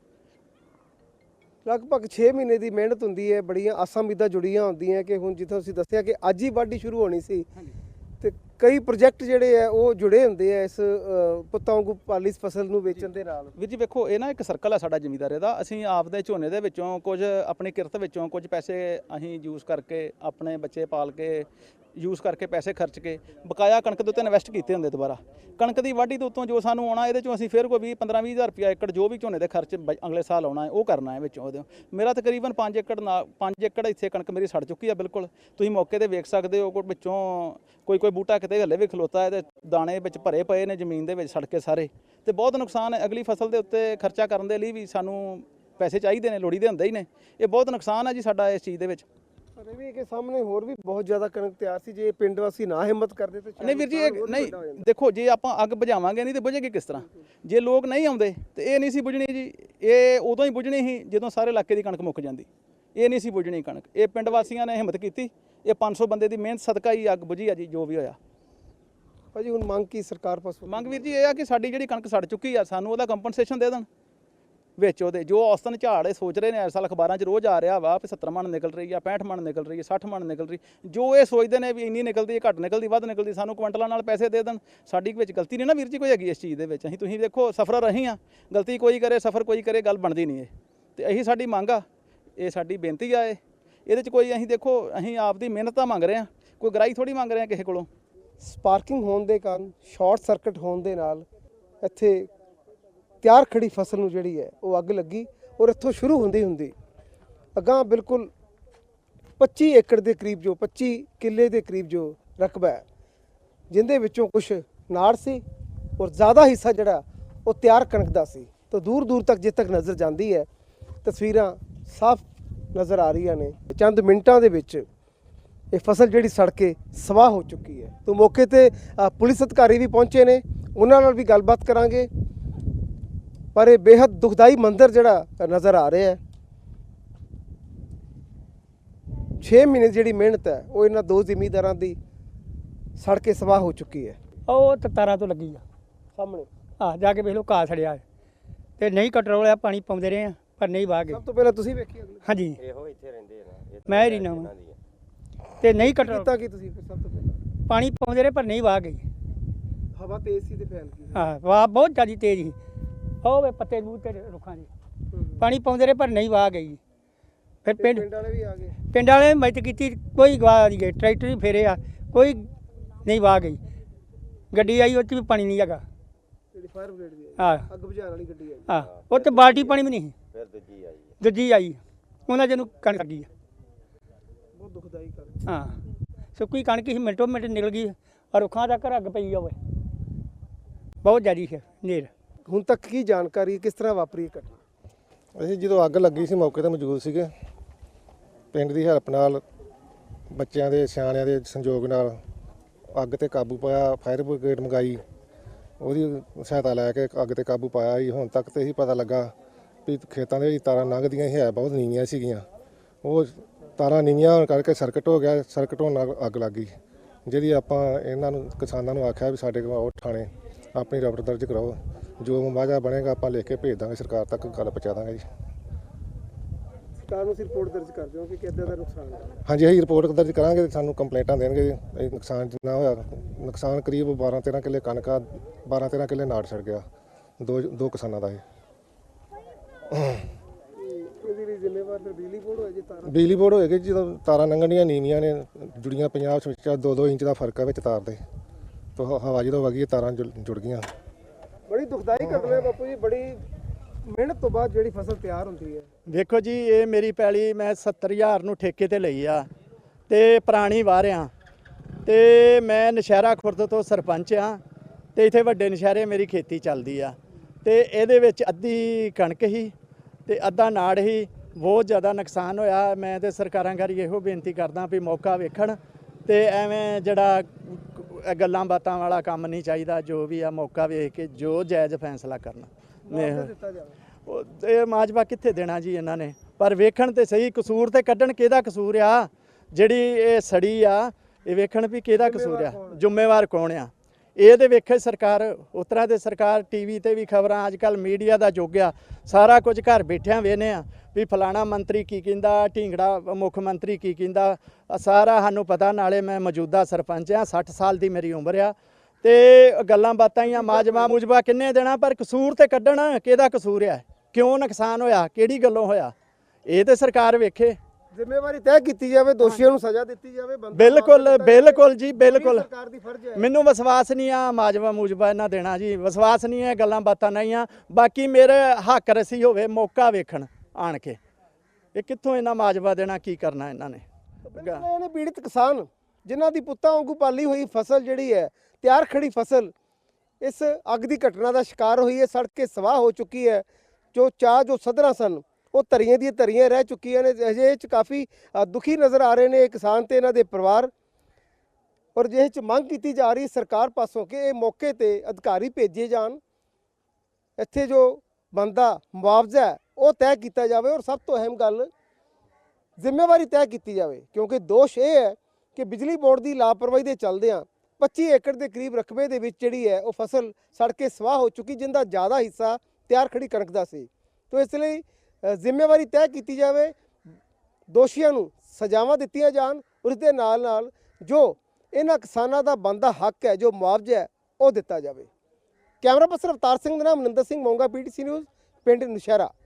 A: ਲਗਭਗ ਛੇ ਮਹੀਨੇ ਦੀ ਮਿਹਨਤ ਹੁੰਦੀ ਹੈ, ਬੜੀਆਂ ਆਸਾਂ ਉਮੀਦਾਂ ਜੁੜੀਆਂ ਹੁੰਦੀਆਂ ਕਿ ਹੁਣ ਜਿੱਥੋਂ ਤੁਸੀਂ ਦੱਸਿਆ ਕਿ ਅੱਜ ਹੀ ਵਾਢੀ ਸ਼ੁਰੂ ਹੋਣੀ ਸੀ, ਤੇ ਕਈ ਪ੍ਰੋਜੈਕਟ ਜਿਹੜੇ ਆ ਉਹ ਜੁੜੇ ਹੁੰਦੇ ਆ ਇਸ ਪੁੱਤਾਂ ਵਾਂਗੂ ਪਾਲੀ ਫਸਲ ਨੂੰ ਵੇਚਣ ਦੇ ਨਾਲ।
D: ਵੀਰ ਜੀ ਵੇਖੋ ਇਹ ਨਾ ਇੱਕ ਸਰਕਲ ਹੈ ਸਾਡਾ ਜ਼ਿਮੀਂਦਾਰੀ ਦਾ। ਅਸੀਂ ਆਪਦੇ ਝੋਨੇ ਦੇ ਵਿੱਚੋਂ ਕੁਝ, ਆਪਣੀ ਕਿਰਤ ਵਿੱਚੋਂ ਕੁਝ ਪੈਸੇ ਅਸੀਂ ਯੂਜ਼ ਕਰਕੇ, ਆਪਣੇ ਬੱਚੇ ਪਾਲ ਕੇ, ਯੂਜ਼ ਕਰਕੇ ਪੈਸੇ ਖਰਚ ਕੇ ਬਕਾਇਆ ਕਣਕ ਦੇ ਉੱਤੇ ਇਨਵੈਸਟ ਕੀਤੇ ਹੁੰਦੇ। ਦੁਬਾਰਾ ਕਣਕ ਦੀ ਵਾਢੀ ਤੋਂ ਉੱਤੋਂ ਜੋ ਸਾਨੂੰ ਆਉਣਾ, ਇਹਦੇ ਚੋਂ ਅਸੀਂ ਫਿਰ ਕੋਈ ਵੀਹ ਪੰਦਰਾਂ ਵੀਹ ਹਜ਼ਾਰ ਰੁਪਇਆ ਏਕੜ ਜੋ ਵੀ ਝੋਨੇ ਦੇ ਖਰਚ ਅਗਲੇ ਸਾਲ ਆਉਣਾ ਹੈ ਉਹ ਕਰਨਾ ਹੈ ਵਿੱਚੋਂ ਉਹਦੇ। ਮੇਰਾ ਤਕਰੀਬਨ ਪੰਜ ਏਕੜ ਨਾਲ ਪੰਜ ਏਕੜ ਇੱਥੇ ਕਣਕ ਮੇਰੀ ਸੜ ਚੁੱਕੀ ਆ ਬਿਲਕੁਲ। ਤੁਸੀਂ ਮੌਕੇ ਤੇ ਵੇਖ ਸਕਦੇ ਹੋ, ਕੋਈ ਵਿੱਚੋਂ ਕੋਈ ਕੋਈ ਬੂਟਾ ਕਿਤੇ ਹੱਲੇ ਵੀ ਖਲੋਤਾ ਹੈ ਤੇ ਦਾਣੇ ਵਿੱਚ ਭਰੇ ਪਏ ਨੇ ਜ਼ਮੀਨ ਦੇ ਵਿੱਚ ਸੜ ਕੇ ਸਾਰੇ। ਤੇ ਬਹੁਤ ਨੁਕਸਾਨ ਹੈ। ਅਗਲੀ ਫਸਲ ਦੇ ਉੱਤੇ ਖਰਚਾ ਕਰਨ ਦੇ ਲਈ ਵੀ ਸਾਨੂੰ ਪੈਸੇ ਚਾਹੀਦੇ ਨੇ, ਲੋੜੀਦੇ ਹੁੰਦੇ ਹੀ ਨੇ। ਇਹ ਬਹੁਤ ਨੁਕਸਾਨ ਹੈ ਜੀ ਸਾਡਾ ਇਸ ਚੀਜ਼ ਦੇ ਵਿੱਚ।
A: ਪਰ ਇਹ ਵੀ ਕਿ ਸਾਹਮਣੇ ਹੋਰ ਵੀ ਬਹੁਤ ਜ਼ਿਆਦਾ ਕਣਕ ਤਿਆਰ ਸੀ, ਜੇ ਪਿੰਡ ਵਾਸੀ ਨਾ ਹਿੰਮਤ ਕਰਦੇ ਤੇ
D: ਨਹੀਂ ਵੀਰ ਜੀ, ਇਹ ਨਹੀਂ ਦੇਖੋ, ਜੇ ਆਪਾਂ ਅੱਗ ਬੁਝਾਵਾਂਗੇ ਨਹੀਂ ਤੇ ਬੁਝੇਗੀ ਕਿਸ ਤਰ੍ਹਾਂ? ਜੇ ਲੋਕ ਨਹੀਂ ਆਉਂਦੇ ਤੇ ਇਹ ਨਹੀਂ ਸੀ ਬੁਝਣੀ ਜੀ। ਇਹ ਉਦੋਂ ਹੀ ਬੁਝਣੀ ਸੀ ਜਦੋਂ ਸਾਰੇ ਇਲਾਕੇ ਦੀ ਕਣਕ ਮੁੱਕ ਜਾਂਦੀ। ਇਹ ਨਹੀਂ ਸੀ ਬੁਝਣੀ ਕਣਕ। ਇਹ ਪਿੰਡ ਵਾਸੀਆਂ ਨੇ ਹਿੰਮਤ ਕੀਤੀ, ਇਹ ਪੰਜ ਸੌ ਬੰਦੇ ਦੀ ਮਿਹਨਤ ਸਦਕਾ ਹੀ ਅੱਗ ਬੁਝੀ ਆ ਜੀ, ਜੋ ਵੀ ਹੋਇਆ।
A: ਭਾਜੀ ਹੁਣ ਮੰਗ ਕੀ ਸਰਕਾਰ ਪਾਸੋਂ?
D: ਮੰਗ ਵੀਰ ਜੀ ਇਹ ਆ ਕਿ ਸਾਡੀ ਜਿਹੜੀ ਕਣਕ ਸੜ ਚੁੱਕੀ ਆ, ਸਾਨੂੰ ਉਹਦਾ ਕੰਪਨਸੇਸ਼ਨ ਦੇ ਦੇਣ ਵਿੱਚ ਉਹਦੇ। ਜੋ ਔਸਤਨ ਝਾੜ ਇਹ ਸੋਚ ਰਹੇ ਨੇ, ਇਸ ਸਾਲ ਅਖਬਾਰਾਂ 'ਚ ਰੋਜ਼ ਆ ਰਿਹਾ ਵਾ ਵੀ ਸੱਤਰ ਮਣ ਨਿਕਲ ਰਹੀ ਆ, ਪੈਂਹਠ ਮਣ ਨਿਕਲ ਰਹੀ ਹੈ, ਸੱਠ ਮਣ ਨਿਕਲ ਰਹੀ। ਜੋ ਇਹ ਸੋਚਦੇ ਨੇ ਵੀ ਇੰਨੀ ਨਿਕਲਦੀ ਹੈ, ਘੱਟ ਨਿਕਲਦੀ, ਵੱਧ ਨਿਕਲਦੀ, ਸਾਨੂੰ ਕੁਇੰਟਲਾਂ ਨਾਲ ਪੈਸੇ ਦੇ ਦੇਣ। ਸਾਡੀ ਵਿੱਚ ਗਲਤੀ ਨਹੀਂ ਨਾ ਵੀਰ ਜੀ ਕੋਈ ਹੈਗੀ ਇਸ ਚੀਜ਼ ਦੇ ਵਿੱਚ। ਅਸੀਂ ਤੁਸੀਂ ਦੇਖੋ ਸਫਰ ਰਹੀ ਆ, ਗਲਤੀ ਕੋਈ ਕਰੇ, ਸਫਰ ਕੋਈ ਕਰੇ, ਗੱਲ ਬਣਦੀ ਨਹੀਂ ਇਹ। ਤੇ ਇਹੀ ਸਾਡੀ ਮੰਗ ਆ, ਇਹ ਸਾਡੀ ਬੇਨਤੀ ਆ। ਇਹ ਇਹਦੇ 'ਚ ਕੋਈ ਅਸੀਂ ਦੇਖੋ, ਅਸੀਂ ਆਪ ਦੀ ਮਿਹਨਤ ਤਾਂ ਮੰਗ ਰਹੇ ਹਾਂ, ਕੋਈ ਗਰਾਈ ਥੋੜੀ ਮੰਗ ਰਹੇ ਹਾਂ ਕਿਸੇ ਕੋਲੋਂ।
A: ਸਪਾਰਕਿੰਗ ਹੋਣ ਦੇ ਕਾਰਨ ਸ਼ਾਰਟ ਸਰਕਟ ਹੋਣ ਦੇ ਨਾਲ ਇੱਥੇ ਤਿਆਰ ਖੜੀ ਫਸਲ ਨੂੰ ਜਿਹੜੀ ਹੈ ਉਹ ਅੱਗ ਲੱਗੀ ਔਰ ਇੱਥੋਂ ਸ਼ੁਰੂ ਹੁੰਦੀ ਹੁੰਦੀ ਅਗਾਂਹ ਬਿਲਕੁਲ ਪੱਚੀ ਏਕੜ ਦੇ ਕਰੀਬ ਜੋ ਪੱਚੀ ਕਿੱਲੇ ਦੇ ਕਰੀਬ ਜੋ ਰਕਬਾ ਹੈ, ਜਿੰਦੇ ਵਿੱਚੋਂ ਕੁਝ ਨਾੜ ਸੀ ਔਰ ਜ਼ਿਆਦਾ ਹਿੱਸਾ ਜਿਹੜਾ ਉਹ ਤਿਆਰ ਕਣਕ ਦਾ ਸੀ। ਤਾਂ ਦੂਰ ਦੂਰ ਤੱਕ ਜਿੱਥੇ ਤੱਕ ਨਜ਼ਰ ਜਾਂਦੀ ਹੈ ਤਸਵੀਰਾਂ ਸਾਫ਼ ਨਜ਼ਰ ਆ ਰਹੀਆਂ ਨੇ। ਚੰਦ ਮਿੰਟਾਂ ਦੇ ਵਿੱਚ ਇਹ ਫਸਲ ਜਿਹੜੀ ਸੜ ਕੇ ਸਵਾਹ ਹੋ ਚੁੱਕੀ ਹੈ। ਤਾਂ ਮੌਕੇ ਤੇ ਅ, ਪੁਲਿਸ ਅਧਿਕਾਰੀ ਵੀ ਪਹੁੰਚੇ ਨੇ, ਉਹਨਾਂ ਨਾਲ ਵੀ ਗੱਲਬਾਤ ਕਰਾਂਗੇ। ਪਰ ਇਹ ਬੇहद ਦੁਖਦਾਈ ਮੰਜ਼ਰ ਜਿਹੜਾ ਨਜ਼ਰ ਆ ਰਿਹਾ ਹੈ। ਛੇ ਮਹੀਨੇ ਜਿਹੜੀ ਮਿਹਨਤ ਹੈ ਉਹ ਇਹਨਾਂ ਦੋ ਜ਼ਿਮੀਂਦਾਰਾਂ ਦੀ ਸੜ ਕੇ ਸਵਾਹ ਹੋ ਚੁੱਕੀ ਹੈ।
E: ਉਹ ਤਾਂ ਤਾਰਾਂ ਤੋਂ ਲੱਗੀ ਆ
A: ਸਾਹਮਣੇ
E: ਆ ਜਾ ਕੇ ਵੇਖ ਲਓ ਘਾਹ ਸੜਿਆ ਹੈ ਤੇ ਨਹੀਂ ਕੰਟਰੋਲ ਆ, ਪਾਣੀ ਪਾਉਂਦੇ ਰਹੇ ਆ ਪਰ ਨਹੀਂ ਵਾਹ ਗਏ।
A: ਸਭ ਤੋਂ ਪਹਿਲਾਂ ਤੁਸੀਂ ਵੇਖੀ ਅਗਲੀ
E: ਹਾਂਜੀ
B: ਇਹੋ ਇੱਥੇ ਰਹਿੰਦੇ ਨੇ
E: ਮੈਂ ਹੀ ਰਹਿਣਾ ਵਾਂ ਤੇ ਨਹੀਂ ਕੰਟਰੋਲ,
A: ਕੀਤਾ ਕੀ ਤੁਸੀਂ ਫਿਰ ਸਭ ਤੋਂ ਪਹਿਲਾਂ?
E: ਪਾਣੀ ਪਾਉਂਦੇ ਰਹੇ ਪਰ ਨਹੀਂ ਵਾਹ ਗਈ।
A: ਹਵਾ ਤੇਜ਼ ਸੀ ਤੇ ਫੈਲ ਗਈ।
E: ਹਾਂ ਵਾਹ ਬਹੁਤ ਜ਼ਿਆਦਾ ਤੇਜ਼ ਸੀ। ਉਹ ਵੇ ਪੱਤੇ ਮੂੰਹ ਤੇ ਰੁੱਖਾਂ ਦੇ ਪਾਣੀ ਪਾਉਂਦੇ ਰਹੇ ਪਰ ਨਹੀਂ ਵਾਹ ਗਈ। ਫਿਰ
A: ਤੇ
E: ਪਿੰਡ
A: ਪਿੰਡ ਵਾਲੇ ਵੀ ਆ ਗਏ।
E: ਪਿੰਡ ਵਾਲੇ ਮਦਦ ਕੀਤੀ, ਕੋਈ ਗਵਾ ਨਹੀਂ ਗਏ। ਟਰੈਕਟਰ ਵੀ ਫੇਰੇ ਆ, ਕੋਈ ਨਹੀਂ ਵਾਹ ਗਈ। ਗੱਡੀ ਆਈ ਉਹ 'ਚ ਵੀ ਪਾਣੀ ਨਹੀਂ ਹੈਗਾ।
A: ਜਿਹੜੀ ਫਾਇਰ ਬ੍ਰਿਗੇਡ ਦੀ ਆਈ,
E: ਹਾਂ
A: ਅੱਗ ਬੁਝਾਉਣ ਵਾਲੀ ਗੱਡੀ ਆਈ।
E: ਹਾਂ ਉਹ 'ਚ ਬਾਲਟੀ ਪਾਣੀ ਵੀ ਨਹੀਂ ਸੀ।
B: ਫਿਰ ਦੂਜੀ ਆਈ
E: ਦੂਜੀ ਆਈ ਉਹਨਾਂ ਜਿਹਨੂੰ ਕਣਕ ਲੱਗੀ ਆ।
A: ਬਹੁਤ ਦੁਖਦਾਈ ਗੱਲ।
E: ਹਾਂ ਸੁੱਕੀ ਕਣਕ ਸੀ, ਮਿੰਟੋ ਮਿੰਟ ਨਿਕਲ ਗਈ ਔਰ ਰੁੱਖਾਂ ਤੱਕ ਅੱਗ ਪਈ ਹੋਵੇ। ਬਹੁਤ ਜ਼ਿਆਦੀ ਹੈ ਨੇਰ।
A: ਹੁਣ ਤੱਕ ਕੀ ਜਾਣਕਾਰੀ, ਕਿਸ ਤਰ੍ਹਾਂ ਵਾਪਰੀ ਇਹ ਘਟਨਾ?
F: ਅਸੀਂ ਜਦੋਂ ਅੱਗ ਲੱਗੀ ਸੀ ਮੌਕੇ ਤੇ ਮੌਜੂਦ ਸੀਗੇ। ਪਿੰਡ ਦੀ ਹੈਲਪ ਨਾਲ, ਬੱਚਿਆਂ ਦੇ ਸਿਆਣਿਆਂ ਦੇ ਸੰਯੋਗ ਨਾਲ ਅੱਗ ਤੇ ਕਾਬੂ ਪਾਇਆ। ਫਾਇਰ ਬ੍ਰਿਗੇਡ ਮੰਗਾਈ, ਉਹਦੀ ਸਹਾਇਤਾ ਲੈ ਕੇ ਅੱਗ ਤੇ ਕਾਬੂ ਪਾਇਆ ਜੀ। ਹੁਣ ਤੱਕ ਤੇ ਇਹੀ ਪਤਾ ਲੱਗਾ ਵੀ ਖੇਤਾਂ ਦੇ ਵਿੱਚ ਤਾਰਾਂ ਲੰਘਦੀਆਂ ਸੀ, ਹੈ ਬਹੁਤ ਨੀਵੀਆਂ ਸੀਗੀਆਂ। ਉਹ ਤਾਰਾਂ ਨੀਵੀਆਂ ਹੋਣ ਕਰਕੇ ਸਰਕਟ ਹੋ ਗਿਆ। ਸਰਕਟ ਹੋਣ ਨਾਲ ਅੱਗ ਲੱਗ ਗਈ, ਜਿਹਦੀ ਆਪਾਂ ਇਹਨਾਂ ਨੂੰ ਕਿਸਾਨਾਂ ਨੂੰ ਆਖਿਆ ਵੀ ਸਾਡੇ ਕੋਲ ਆਓ ਥਾਣੇ ਆਪਣੀ ਰਿਪੋਰਟ ਦਰਜ ਕਰਾਓ। ਜੋ ਮੁਆਵਜ਼ਾ ਬਣੇਗਾ ਆਪਾਂ ਲਿਖ ਕੇ ਭੇਜ ਦਾਂਗੇ, ਸਰਕਾਰ ਤੱਕ ਗੱਲ ਪਹੁੰਚਾ ਦਾਂਗੇ ਜੀ।
A: ਸਰਕਾਰ ਨੂੰ ਰਿਪੋਰਟ ਦਰਜ ਕਰ ਦਿਓ ਕਿ ਕਿੱਦਾਂ ਦਾ ਨੁਕਸਾਨ ਹੈ।
F: ਹਾਂਜੀ ਅਸੀਂ ਰਿਪੋਰਟ ਦਰਜ ਕਰਾਂਗੇ, ਸਾਨੂੰ ਕੰਪਲੇਂਟਾਂ ਦੇਣਗੇ ਜੀ। ਇਹ ਨੁਕਸਾਨ ਜਿੰਨਾ ਹੋਇਆ, ਨੁਕਸਾਨ ਕਰੀਬ ਬਾਰਾਂ ਤੇਰਾਂ ਕਿੱਲੇ ਕਣਕ ਆ, ਬਾਰਾਂ ਤੇਰਾਂ ਕਿੱਲੇ ਨਾੜ ਛੜ ਗਿਆ ਦੋ ਦੋ ਕਿਸਾਨਾਂ ਦਾ ਇਹ।
A: ਇਹਦੀ ਲਈ ਜ਼ਿੰਮੇਵਾਰ ਫਿਰ ਬਿਜਲੀ ਬੋਰਡ ਹੋਏ ਜੇ ਤਾਰਾਂ?
F: ਬਿਜਲੀ ਬੋਰਡ ਹੋਏਗੀ, ਜਦੋਂ ਤਾਰਾਂ ਲੰਘਣੀਆਂ ਨੀਵੀਆਂ ਨੇ, ਜੁੜੀਆਂ ਪੰਜਾਬ ਵਿੱਚ ਦੋ ਦੋ ਇੰਚ ਦਾ ਫਰਕ ਹੈ ਵਿੱਚ ਤਾਰ ਦੇ। ਤਾਂ ਹਵਾ ਜਦੋਂ ਵਗੀ ਤਾਰਾਂ ਜੁੜ ਜੁੜ ਗਈਆਂ।
A: ਬੜੀ ਦੁਖਦਾਈ ਘਟਨਾ ਹੈ ਬਾਪੂ ਜੀ। ਬੜੀ ਮਿਹਨਤ ਤੋਂ ਬਾਅਦ ਜਿਹੜੀ ਫਸਲ ਤਿਆਰ ਹੁੰਦੀ ਹੈ।
D: ਵੇਖੋ ਜੀ, ਇਹ ਮੇਰੀ ਪੈਲੀ ਮੈਂ ਸੱਤਰ ਹਜ਼ਾਰ ਨੂੰ ਠੇਕੇ ਤੇ ਲਈ ਆ ਤੇ ਪੁਰਾਣੀ ਵਾਰਿਆ ਤੇ ਮੈਂ ਨਸ਼ਹਿਰਾ ਖੁਰਦ ਤੋਂ ਸਰਪੰਚ ਆ ਤੇ ਇੱਥੇ ਵੱਡੇ ਨਸ਼ਹਿਰੇ ਮੇਰੀ ਖੇਤੀ ਚੱਲਦੀ ਆ ਤੇ ਇਹਦੇ ਵਿੱਚ ਅੱਧੀ ਕਣਕ ਹੀ ਤੇ ਅੱਧਾ ਨਾੜ ਹੀ। ਬਹੁਤ ਜ਼ਿਆਦਾ ਨੁਕਸਾਨ ਹੋਇਆ। ਮੈਂ ਤੇ ਸਰਕਾਰਾਂ ਘਰੀ ਇਹੋ ਬੇਨਤੀ ਕਰਦਾ ਵੀ ਮੌਕਾ ਵੇਖਣ ਤੇ ਐਵੇਂ ਜਿਹੜਾ ਇਹ ਗੱਲਾਂ ਬਾਤਾਂ ਵਾਲਾ ਕੰਮ ਨਹੀਂ ਚਾਹੀਦਾ। ਜੋ ਵੀ ਆ ਮੌਕਾ ਵੇਖ ਕੇ ਜੋ ਜਾਇਜ਼ ਫੈਸਲਾ ਕਰਨਾ।
A: ਮੁਆਵਜ਼ਾ ਦਿੱਤਾ ਜਾਵੇ।
D: ਉਹ ਇਹ ਮਾਜਵਾ ਕਿੱਥੇ ਦੇਣਾ ਜੀ ਇਹਨਾਂ ਨੇ? ਪਰ ਵੇਖਣ ਤੇ ਸਹੀ, ਕਸੂਰ ਤੇ ਕੱਢਣ ਕਿਹਦਾ ਕਸੂਰ ਆ? ਜਿਹੜੀ ਇਹ ਸੜੀ ਆ, ਇਹ ਵੇਖਣ ਵੀ ਕਿਹਦਾ ਕਸੂਰ ਆ, ਜ਼ਿੰਮੇਵਾਰ ਕੌਣ ਆ? ਇਹ ਤੇ ਵੇਖੇ ਸਰਕਾਰ। ਉਸ ਤਰ੍ਹਾਂ ਤੇ ਸਰਕਾਰ ਟੀਵੀ ਤੇ ਵੀ ਖਬਰਾਂ, ਅੱਜ ਕੱਲ ਮੀਡੀਆ ਦਾ ਯੁੱਗ ਆ, ਸਾਰਾ ਕੁਝ ਘਰ ਬੈਠਿਆਂ ਵੇਖਦੇ ਆ ਵੀ ਫਲਾਣਾ ਮੰਤਰੀ ਕੀ ਕਹਿੰਦਾ, ਢੀਂਗੜਾ ਮੁੱਖ ਮੰਤਰੀ ਕੀ ਕਹਿੰਦਾ, ਸਾਰਾ ਸਾਨੂੰ ਪਤਾ। ਨਾਲੇ ਮੈਂ ਮੌਜੂਦਾ ਸਰਪੰਚ ਆ, ਸੱਠ ਸਾਲ ਦੀ ਮੇਰੀ ਉਮਰ ਆ ਤੇ ਗੱਲਾਂ ਬਾਤਾਂ ਹੀ ਆ। ਮਾਜਵਾ ਮੁਜਵਾ ਕਿੰਨੇ ਦੇਣਾ, ਪਰ ਕਸੂਰ ਤੇ ਕੱਢਣ ਕਿਹਦਾ ਕਸੂਰ ਆ? ਕਿਉਂ ਨੁਕਸਾਨ ਹੋਇਆ, ਕਿਹੜੀ ਗੱਲੋਂ ਹੋਇਆ? ਇਹ ਤੇ ਸਰਕਾਰ ਵੇਖੇ।
A: ਜ਼ਿੰਮੇਵਾਰੀ ਤੈਅ ਕੀਤੀ ਜਾਵੇ, ਦੋਸ਼ੀਆਂ ਨੂੰ ਸਜ਼ਾ ਦਿੱਤੀ ਜਾਵੇ। ਬੰਦਾ
D: ਬਿਲਕੁਲ ਬਿਲਕੁਲ ਜੀ, ਬਿਲਕੁਲ।
A: ਸਰਕਾਰ ਦੀ ਫਰਜ਼ ਹੈ।
D: ਮੈਨੂੰ ਵਿਸ਼ਵਾਸ ਨਹੀਂ ਆ ਮਾਜਵਾ ਮੂਜਵਾ ਇਹਨਾਂ ਦੇਣਾ ਜੀ, ਵਿਸ਼ਵਾਸ ਨਹੀਂ ਹੈ। ਗੱਲਾਂ ਬਾਤਾਂ ਨਹੀਂ ਆ। ਬਾਕੀ ਮੇਰੇ ਹੱਕ ਰਸੀ ਹੋਵੇ, ਮੌਕਾ ਵੇਖਣ ਆਣ ਕੇ। ਇਹ ਕਿੱਥੋਂ ਇਹਨਾਂ ਮਾਜਵਾ ਦੇਣਾ, ਕੀ ਕਰਨਾ ਇਹਨਾਂ ਨੇ?
A: ਬਿਲਕੁਲ ਨੇ ਪੀੜਿਤ ਕਿਸਾਨ ਜਿਨ੍ਹਾਂ ਦੀ ਪੁੱਤਾਂ ਵਾਂਗੂ ਪਾਲੀ ਹੋਈ ਫਸਲ ਜਿਹੜੀ ਹੈ, ਤਿਆਰ ਖੜੀ ਫਸਲ, ਇਸ ਅੱਗ ਦੀ ਘਟਨਾ ਦਾ ਸ਼ਿਕਾਰ ਹੋਈ ਹੈ, ਸੜ ਕੇ ਸਵਾਹ ਹੋ ਚੁੱਕੀ ਹੈ। ਜੋ ਚਾਹ ਜੋ ਸਧਰਾਂ ਸਨ ਉਹ ਧਰੀਆਂ ਦੀਆਂ ਧਰੀਆਂ ਰਹਿ ਚੁੱਕੀਆਂ ਨੇ। ਅਜੇ ਇਹ 'ਚ ਕਾਫੀ ਅ, ਦੁਖੀ ਨਜ਼ਰ ਆ ਰਹੇ ਨੇ ਇਹ ਕਿਸਾਨ ਤੇ ਇਹਨਾਂ ਦੇ ਪਰਿਵਾਰ। ਔਰ ਜਿਹੇ 'ਚ ਮੰਗ ਕੀਤੀ ਜਾ ਰਹੀ ਸਰਕਾਰ ਪਾਸੋਂ ਕਿ ਇਹ ਮੌਕੇ ਤੇ ਅਧਿਕਾਰੀ ਭੇਜੇ ਜਾਣ, ਇੱਥੇ ਜੋ ਬਣਦਾ ਮੁਆਵਜ਼ਾ ਹੈ ਉਹ ਤੈਅ ਕੀਤਾ ਜਾਵੇ ਔਰ ਸਭ ਤੋਂ ਅਹਿਮ ਗੱਲ ਜ਼ਿੰਮੇਵਾਰੀ ਤੈਅ ਕੀਤੀ ਜਾਵੇ। ਕਿਉਂਕਿ ਦੋਸ਼ ਇਹ ਹੈ ਕਿ ਬਿਜਲੀ ਬੋਰਡ ਦੀ ਲਾਪਰਵਾਹੀ ਦੇ ਚੱਲਦਿਆਂ ਪੱਚੀ ਏਕੜ ਦੇ ਕਰੀਬ ਰਕਬੇ ਦੇ ਵਿੱਚ ਜਿਹੜੀ ਹੈ ਉਹ ਫਸਲ ਸੜ ਕੇ ਸਵਾਹ ਹੋ ਚੁੱਕੀ, ਜਿੰਦਾ ਜ਼ਿਆਦਾ ਹਿੱਸਾ ਤਿਆਰ ਖੜੀ ਕਣਕ ਦਾ ਸੀ। ਤੋ ਇਸ ਲਈ ਅ, ਜ਼ਿੰਮੇਵਾਰੀ ਤੈਅ ਕੀਤੀ ਜਾਵੇ, ਦੋਸ਼ੀਆਂ ਨੂੰ ਸਜ਼ਾਵਾਂ ਦਿੱਤੀਆਂ ਜਾਣ, ਉਸ ਦੇ ਨਾਲ ਨਾਲ ਜੋ ਇਹਨਾਂ ਕਿਸਾਨਾਂ ਦਾ ਬਣਦਾ ਹੱਕ ਹੈ, ਜੋ ਮੁਆਵਜ਼ਾ ਹੈ, ਉਹ ਦਿੱਤਾ ਜਾਵੇ। ਕੈਮਰਾ ਪਰਸਨ ਅਵਤਾਰ ਸਿੰਘ ਦੇ ਨਾਮ ਮਨਿੰਦਰ ਸਿੰਘ ਮੋਂਗਾ, ਪੀਟੀਸੀ ਨਿਊਜ਼, ਪਿੰਡ ਨੁਸ਼ਹਿਰਾ।